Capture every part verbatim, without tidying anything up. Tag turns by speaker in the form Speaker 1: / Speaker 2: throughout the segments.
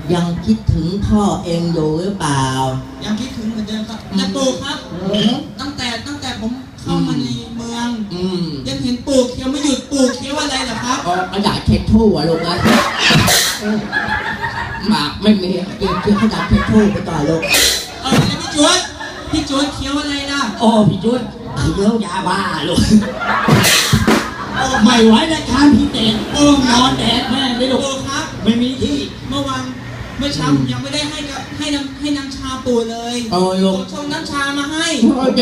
Speaker 1: ยังคิดถึงพ่อเองอยู่หรือเปล่า
Speaker 2: ยังคิดถึงเหมือนเดิมครับแต่ปู่ครับตั้งแต่ตั้งแต่ผมเข้ามาในเมืองยังเห็นปู่เคี้ยวไม่หยุดปู่เคี้ยวอะไรเหรอครับ
Speaker 1: กระดาษเช็ดทู่อะลูกนะหมากไม่มีกินเคี้ยวกระดาษเช็ดทู่ไปต่อลูก
Speaker 2: เออแล้วพี่จวนพี่จวนเคี้ยวอะไรล่ะ
Speaker 1: โอ้พี่จวนเคี้ยวยาบ้าลูกไม่ไหวแล้วครับพี่เต้นโอ้นอนแดดแม่ไม่ลูก
Speaker 2: ครับ
Speaker 1: ไม่มีที่
Speaker 2: เมื่อวันเมื่อเช้ายังไม่ได้ให้กับให้น้ำให้น้ำชาปู่เลย
Speaker 1: โอ้ลูก
Speaker 2: ชงน้ำชามาให้
Speaker 1: โอเค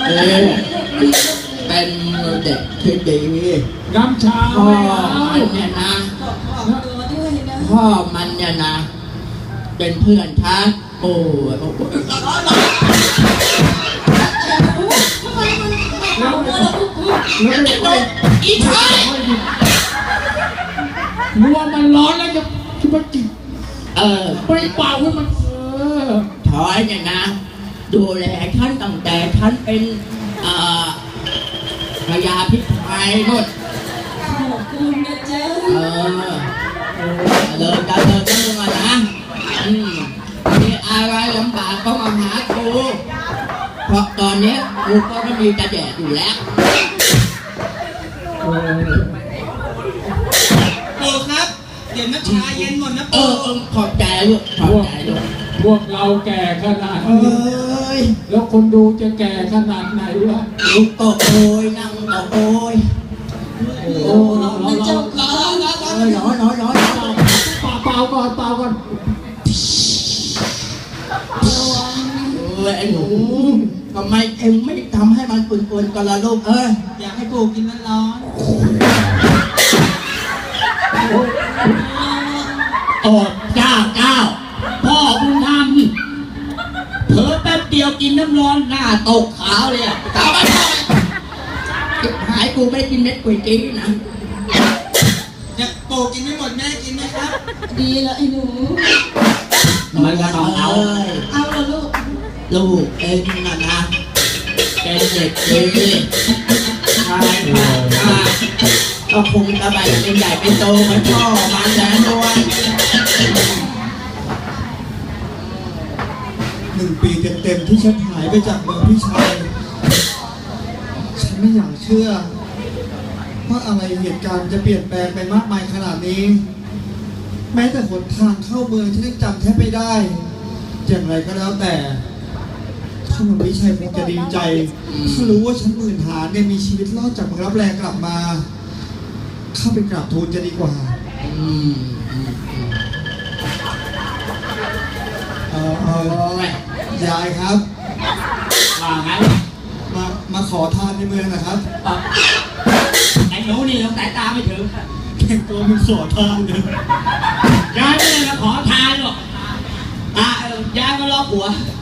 Speaker 1: เป็นเด็กที่ดี
Speaker 3: น้ำชา
Speaker 1: พ่อมันเนี่ยนะพ่อมันเนี่ยนะเป็นเพื่อนฉันโอ้อีชาย
Speaker 3: รัวมันร้อนแล้วจะจะมาจิบ
Speaker 1: เออ
Speaker 3: ไปเป่าให้มันเออ
Speaker 1: ถอยเนี่ยนะดูแลฉันตั้งแต่ฉันเป็นเอ่อพญาพิชัยนู่น
Speaker 4: ขอบคุณนะเจ้า
Speaker 1: เออเลยจะเดินจะมานะอืมมีอะไรลำบากก็มาหากูเพราะตอนนี้กูก็ไม่มีจะแดดอยู่แล้ว
Speaker 2: ปู่ครับเดี๋ยวน้ำชาเย็นหมดนะ
Speaker 1: ปู่เออขอบใจลูกขอบใจลูก
Speaker 3: พวกเราแก่ขนาดนี้แล้วคนดูจะแก่ขนาดไหนวะ
Speaker 1: ลูกตกโอยนั่งตกโอย
Speaker 4: โอ้ยเจ้าค่ะ
Speaker 1: น้อยน้อยน้อย
Speaker 3: เปล่าก่อนเปล่าก่อน
Speaker 1: เออไอ้หนูทำไมเอ็งไม่ทำให้มันปุ่นๆกันละลูกเออ
Speaker 2: อยากให้ปู่กินร้อน
Speaker 1: โอ้เจ้าเจ้าพ่อบุญธรรมเผลอแป๊บเดียวกินน้ำร้อนหน้าตกขาวเลยอ่ะขาวไม่ได้หายกูไม่กินเม็ดก๋วยเตี๋ยวนะ
Speaker 2: อยากปู่กินไม่หมดแม่กินไหมครับ
Speaker 4: ดีแล้วไอ้หนู
Speaker 1: มันก็ต้องเอา
Speaker 4: เอาละลูก
Speaker 1: ลูกเองนะนะเป็นเด็กดีใช่ค่ะก็คงจะแบบเป็นใหญ่เป็นโตเหมือนพ่อมันแสนด้วย
Speaker 5: หนึ่งปีเต็มๆที่ฉันหายไปจากเมืองพี่ชัยฉันไม่อยากเชื่อว่าอะไรเหตุการณ์จะเปลี่ยนแปลงไปมากมายขนาดนี้แม้แต่หนทางเข้าเมืองฉันยังจำแทบไม่ได้อย่างไรก็แล้วแต่ท่านพี่ชัยคงจะดีใจถ้ารู้ว่าฉันหมื่นหาเนี่ยมีชีวิตรอดจากเมืองรับแรงกลับมาเข้าไปกราบทูลจะดีกว่าเออเออยายครับ
Speaker 1: ว่าไง
Speaker 5: มามาขอทานในเมืองนะครับ
Speaker 1: ไอ้หนูนี่เราสายตาไม่ถึง
Speaker 5: แต่งตัวมันขอทานเลย
Speaker 1: ยายไม่ได้มาขอทานหรอกอ่ะยายก็รอผัว